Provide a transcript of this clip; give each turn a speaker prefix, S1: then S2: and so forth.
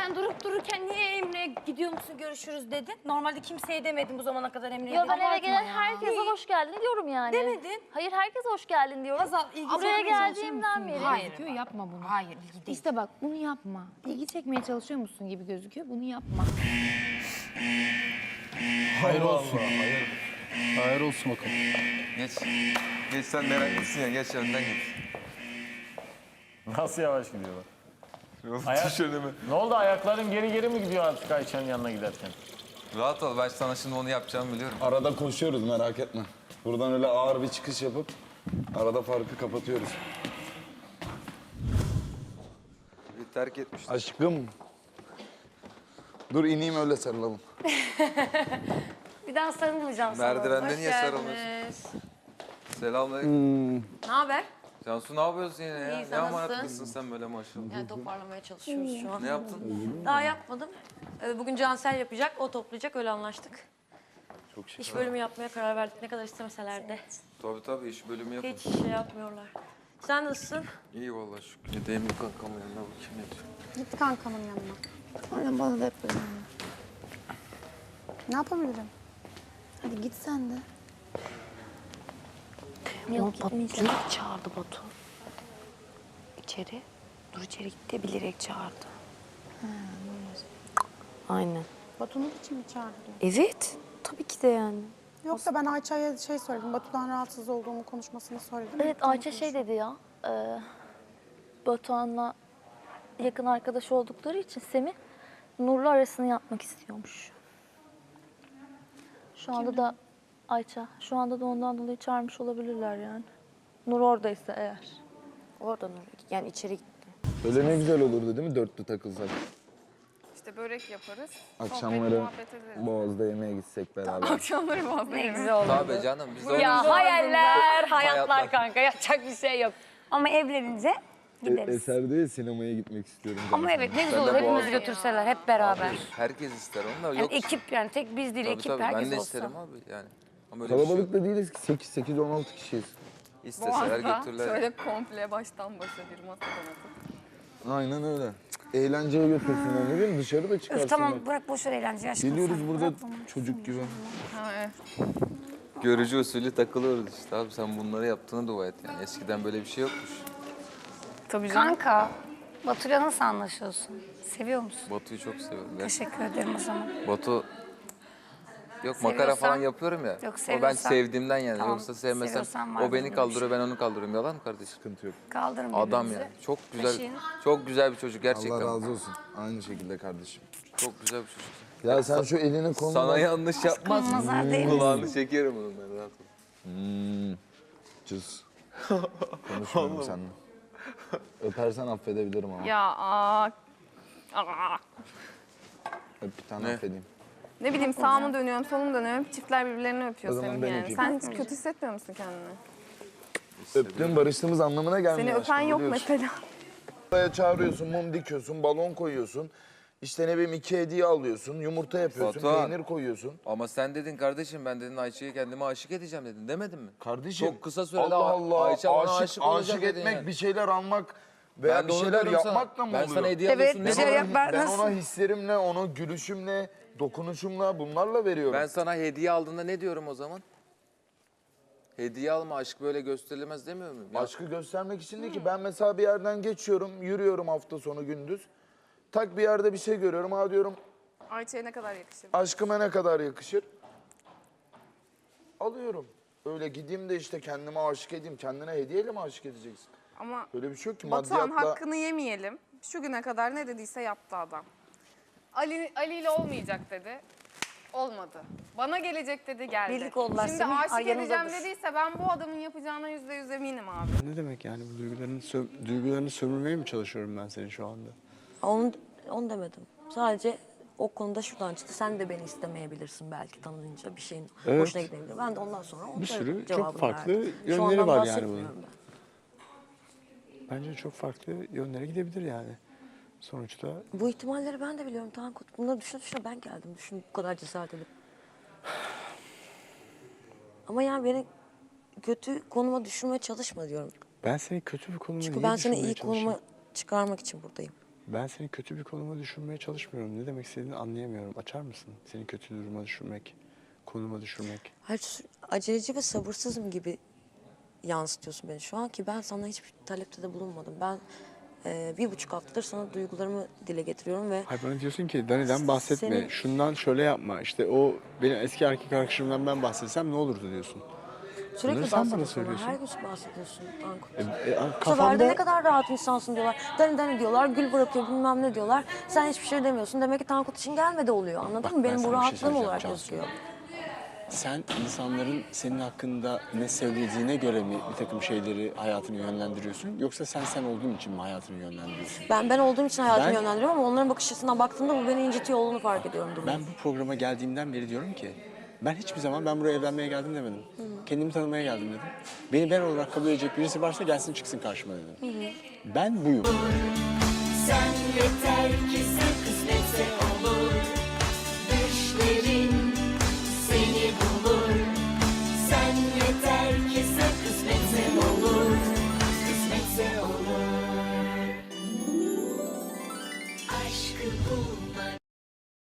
S1: sen durup dururken niye Emre'ye gidiyor musun görüşürüz dedin? Normalde kimseye demedin bu zamana kadar Emre'ye.
S2: Ya ben eve gelen herkese hoş geldin diyorum yani.
S1: Demedin.
S2: Hayır, herkese hoş geldin diyorum.
S1: Hazal, ilgi
S2: Buraya
S1: çekmeye
S2: geldiğimden beri.
S1: Hayır.
S3: Yapma bunu.
S1: Hayır, ilgi değil.
S3: İşte bak bunu yapma. İlgi çekmeye çalışıyor musun gibi gözüküyor. Bunu yapma.
S4: Hayır olsun. Hayır olsun bakalım.
S5: Geç. Geç sen meraklısın ya. Geç önden git.
S6: Nasıl yavaş gidiyorlar?
S5: Ayak... Düş önüme.
S6: Ne oldu, ayakların geri geri mi gidiyor artık Ayça'nın yanına giderken?
S5: Rahat ol. Ben sana şimdi onu yapacağımı biliyorum.
S4: Arada koşuyoruz, merak etme. Buradan öyle ağır bir çıkış yapıp arada farkı kapatıyoruz.
S5: Bir terk etmiştim.
S4: Aşkım. Dur ineyim öyle sarılalım.
S1: Bir daha sarılmayacağım sana.
S5: Merdivende niye sarılmıyorsun? Selamünaleyküm.
S1: Ne haber?
S5: Cansu ne yapıyorsun yine ya?
S1: İyi,
S5: Ne
S1: sen
S5: amanet
S1: nasılsın?
S5: kızsın sen böyle maşallah.
S1: Yani toparlamaya çalışıyoruz şu an.
S5: Ne yaptın?
S1: Daha yapmadım. Bugün Cansel yapacak, o toplayacak, öyle anlaştık.
S5: Çok şükür.
S1: İş bölümü yapmaya karar verdik, ne kadar istemeseler de.
S5: Tabii iş bölümü yapın.
S1: Hiç şey yapmıyorlar. Sen nasılsın?
S5: İyi vallahi şükür. Gideyim bir kankamın yanına bakayım ne diyor.
S7: Git kankamın yanına.
S3: Aynen bana da hep böyle.
S7: Ne yapabilirim?
S3: Hadi git sen de.
S2: Yok, gitmeyeceğim.
S3: Bilerek çağırdı Batu. İçeri. Dur içeri gitti, bilerek çağırdı. Aynen.
S7: Batu'nun için mi çağırdı diyor.
S3: Evet. Tabii ki de yani.
S7: Yoksa ben Ayça'ya şey söyledim. Batu'dan rahatsız olduğumu konuşmasını söyledim.
S2: Evet, Ayça şey dedi ya. Batuhan'la yakın arkadaş oldukları için Semih Nur'la arasını yapmak istiyormuş. Şu anda da Ayça, şu anda da ondan dolayı çağırmış olabilirler yani. Nur oradaysa eğer.
S3: Oradan oraya. Yani içeri gitti.
S4: Öyle ne güzel olurdu değil mi dörtlü takılsak?
S8: İşte börek yaparız.
S4: Akşamları
S8: sohbet, muhabbet ederiz.
S4: Boğaz'da yemeğe gitsek beraber.
S8: Akşamları bazı
S1: Ne güzel oldu.
S5: Tabii canım. Biz de
S1: Ya
S5: onu-
S1: hayaller, hayatlar
S5: Hayatlar.
S1: kanka. Yapacak bir şey yok. Ama evlenince gideriz.
S4: Eser diyor ya sinemaya gitmek istiyorum.
S1: Ama
S4: canım.
S1: evet ne güzel
S5: Ben de
S1: olur. Hepimizi
S5: Boğaz'da.
S1: götürseler hep beraber.
S5: Herkes ister onu da
S1: Yani
S5: yok.
S1: ekip yani tek biz değil,
S5: Tabii,
S1: ekip
S5: tabii.
S1: herkes
S5: Ben de
S1: olsa.
S5: isterim abi yani. Ama öyle bir şey yok.
S4: Kalabalık da değiliz ki 8-16 kişiyiz.
S5: İsteseler
S8: Boğaz'da
S5: götürürler.
S8: şöyle komple baştan başa bir masadan atıp.
S4: Aynen öyle. Eğlenceye götürsünler ne bileyim dışarı da çıkarsınlar.
S1: Öf, tamam bırak boş ver eğlenceyi aşkım.
S4: Geliyoruz
S1: sen.
S4: burada
S1: Bırak bunu.
S4: çocuk gibi.
S8: Ha, evet.
S5: Görücü usulü takılıyoruz işte abi. Sen bunları yaptığına dua et yani. Eskiden böyle bir şey yokmuş.
S8: Tabii canım.
S1: Kanka, Batu'yla nasıl anlaşıyorsun? Seviyor musun?
S5: Batu'yu çok seviyorum. Gerçekten.
S1: Teşekkür ederim o zaman.
S5: Batu... Yok makara falan yapıyorum ya.
S1: Yok,
S5: O ben
S1: seviyorsan-
S5: sevdiğimden yani.
S1: Tamam,
S5: Yoksa sevmesem
S1: seviyorsan var
S5: o beni
S1: benim bir
S5: kaldırıyor
S1: şey.
S5: ben onu kaldırıyorum. Yalan mı kardeşim?
S4: Sıkıntı yok.
S1: Kaldırın
S5: Adam
S1: birbirinizi.
S5: yani. Çok güzel.
S1: Taşıyın.
S5: Çok güzel bir çocuk gerçekten.
S4: Allah razı olsun. Aynı şekilde kardeşim.
S5: Çok güzel bir çocuk.
S4: Ya sen şu elini kolunu...
S5: Sana yanlış yapmaz.
S1: nazar değmesin.
S5: Kulağını çekerim onun ben rahat ol.
S4: Cız. Konuşmuyorum seninle. Öpersen affedebilirim ama.
S8: Ya aa.
S4: Öp bir tane
S5: Ne?
S4: affedeyim.
S8: Ne bileyim sağımı dönüyorum, solumu dönüyorum. Çiftler birbirlerini öpüyor
S4: O zaman
S8: Semih
S4: ben
S8: yani.
S4: öpeyim.
S8: Sen hiç kötü hissetmiyor musun kendini?
S4: Öptüm barıştığımız anlamına gelmiyor.
S8: Seni öpen
S4: aşkım,
S8: yok
S4: biliyorsun.
S8: mesela.
S4: Buraya çağırıyorsun, mum dikiyorsun, balon koyuyorsun. İşte ne bileyim 2 hediye alıyorsun, yumurta yapıyorsun,
S5: Batuhan.
S4: peynir koyuyorsun.
S5: Ama sen dedin kardeşim ben dedin Ayça'yı kendime aşık edeceğim dedin demedin mi?
S4: Kardeşim
S5: Çok kısa sürede
S4: Allah Allah
S5: Ayça bana
S4: aşık,
S5: olacak
S4: aşık
S5: dedin
S4: etmek,
S5: yani.
S4: bir şeyler almak veya
S5: Ben de
S4: bir
S5: onu
S4: şeyler
S5: diyorum sana.
S4: yapmakla mı
S5: Ben
S4: oluyor?
S5: sana hediye
S1: Evet,
S5: alıyorsun.
S1: bir
S5: ne
S1: şey
S5: var?
S1: yap- ben
S4: Ben
S1: nasıl-
S4: ona hislerimle, ona gülüşümle, dokunuşumla bunlarla veriyorum.
S5: Ben sana hediye aldığında ne diyorum o zaman? Hediye alma aşk böyle gösterilemez demiyor muyum? Ya,
S4: Aşkı göstermek için değil ki. Ben mesela bir yerden geçiyorum, yürüyorum hafta sonu gündüz. Tak bir yerde bir şey görüyorum, ha diyorum
S8: Ayça'ya ne kadar yakışır?
S4: aşkıma ne kadar yakışır? Alıyorum. Öyle gideyim de işte kendime aşık edeyim. Kendine hediyeyle mi aşık edeceksin?
S8: Ama
S4: Öyle bir şey yok ki
S8: Batuhan
S4: maddiyatla.
S8: hakkını yemeyelim. Şu güne kadar ne dediyse yaptı adam. Ali ile olmayacak dedi. Olmadı. Bana gelecek dedi geldi.
S1: Birlik oldular,
S8: Şimdi
S1: Semih,
S8: aşık
S1: ay
S8: edeceğim
S1: yanındadır.
S8: dediyse ben bu adamın yapacağına %100 eminim abi.
S9: Ne demek yani bu duygularını sömürmeye mi çalışıyorum ben seni şu anda?
S10: Onu demedim. Sadece o konuda şuradan çıktı. Sen de beni istemeyebilirsin belki tanınınca bir şeyin
S9: Evet.
S10: hoşuna gidebilir. Ben de ondan sonra onun
S9: Bir
S10: da
S9: sürü çok
S10: cevabını
S9: farklı
S10: verdim. Şu
S9: yönleri
S10: andan
S9: var yani
S10: bahsetmiyorum
S9: bunun.
S10: ben.
S9: Bence çok farklı yönlere gidebilir yani. Sonuçta
S10: Bu ihtimalleri ben de biliyorum Tankut. Bunları düşüne ben geldim. Düşün bu kadar cesaret edip. Ama yani beni kötü konuma düşürmeye çalışma diyorum.
S9: ben seni kötü bir konuma
S10: Çünkü
S9: niye
S10: ben seni
S9: düşürmeye
S10: iyi konuma
S9: çalışayım?
S10: çıkarmak için buradayım.
S9: Ben seni kötü bir konuma düşürmeye çalışmıyorum. Ne demek istediğini anlayamıyorum. Açar mısın? Seni kötü duruma düşürmek, konuma düşürmek.
S10: Hayır, aceleci ve sabırsızım gibi yansıtıyorsun beni şu an ki ben sana hiçbir talepte de bulunmadım. Ben 1,5 haftadır sana duygularımı dile getiriyorum ve
S9: Hayır, bana diyorsun ki Dani'den bahsetme,
S10: Senin-
S9: şundan şöyle yapma. İşte o benim eski erkek arkadaşımdan ben bahsetsem ne olurdu diyorsun.
S10: sürekli
S9: Bunları sen bana
S10: bahsediyorsun.
S9: söylüyorsun.
S10: Her gün bahsediyorsun Tankut. Bu sefer de
S9: Kafamda
S10: ne kadar rahat insansın diyorlar. Dani diyorlar, gül bırakıyor bilmem ne diyorlar. Sen hiçbir şey demiyorsun. Demek ki Tankut için gelmedi oluyor. Anladın
S9: Bak,
S10: mı?
S9: ben
S10: Benim bu
S9: sana bir şey
S10: rahatlığım
S9: söyleyeceğim
S10: olarak
S9: Cansu.
S10: gözüküyor.
S9: sen insanların senin hakkında ne söylediğine göre mi bir takım şeyleri hayatını yönlendiriyorsun? Yoksa sen olduğun için mi hayatını yönlendiriyorsun?
S10: Ben olduğum için hayatımı
S9: Ben-
S10: yönlendiriyorum ama onların bakış açısından baktığımda bu beni incitiyor olduğunu fark ediyorum.
S9: Ben bu programa geldiğimden beri diyorum ki ben hiçbir zaman ben buraya evlenmeye geldim demedim. Kendimi tanımaya geldim dedim. Beni ben olarak kabul edecek birisi varsa gelsin çıksın karşıma dedim. Ben buyum.
S11: Sen yeter ki sen kısmetse olur. Düşlerin seni bulur. Sen yeter ki sen kısmetse olur. Kısmetse olur. Aşkı bul.